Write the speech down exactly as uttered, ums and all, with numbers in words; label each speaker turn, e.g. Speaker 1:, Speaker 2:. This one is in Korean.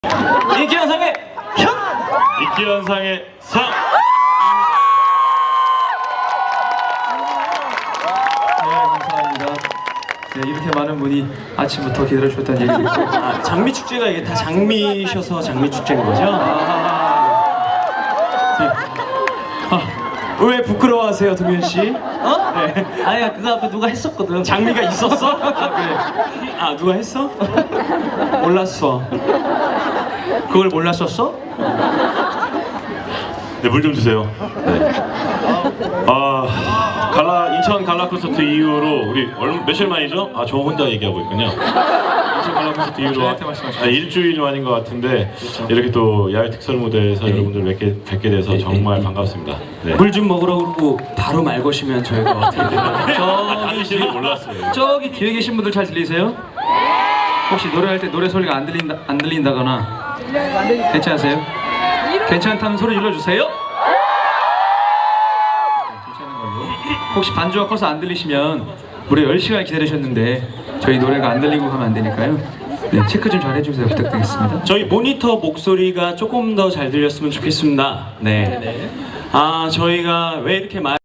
Speaker 1: 인기현상의 현!
Speaker 2: 인기현상의 상!
Speaker 1: 네, 감사합니다. 네, 이렇게 많은 분이 아침부터 기다려주셨다는 얘기를 듣고
Speaker 3: 아, 장미 축제가 이게 다 장미셔서 장미 축제인 거죠?
Speaker 1: 아, 네.
Speaker 3: 아, 왜 부끄러워하세요, 동현 씨?
Speaker 1: 어?
Speaker 3: 네.
Speaker 1: 아니야, 그거 앞에 누가 했었거든.
Speaker 3: 장미가 있었어?
Speaker 1: 아, 그래.
Speaker 3: 아, 누가 했어? 몰랐어.
Speaker 1: 그걸 몰랐었어?
Speaker 2: 네, 물 좀 주세요. 네. 아, 갈라 인천 갈라 콘서트 이후로 우리 얼마 며칠 만이죠? 아, 저 혼자 얘기하고 있군요. 인천 갈라 콘서트 이후로
Speaker 1: 저한테 말씀하시죠.
Speaker 2: 아, 일주일 만인 것 같은데 이렇게 또 야외 특설 무대에서 여러분들 뵙게, 뵙게 돼서 정말 반갑습니다. 네.
Speaker 3: 물 좀 먹으라고 그러고 바로 말 거시면 저희가 어떻게 되나요?
Speaker 2: 아, 다니시는 몰랐어요.
Speaker 1: 저기 뒤에 계신 분들 잘 들리세요? 혹시 노래할 때 노래 소리가 안 들린다 안 들린다거나 괜찮으세요? 괜찮다면 소리 질러주세요. 괜찮은 걸로. 혹시 반주가 커서 안 들리시면 무려 열 시간 기다리셨는데 저희 노래가 안 들리고 가면 안 되니까요. 네, 체크 좀 잘 해주세요. 부탁드리겠습니다.
Speaker 3: 저희 모니터 목소리가 조금 더 잘 들렸으면 좋겠습니다. 네. 아, 저희가 왜 이렇게 많이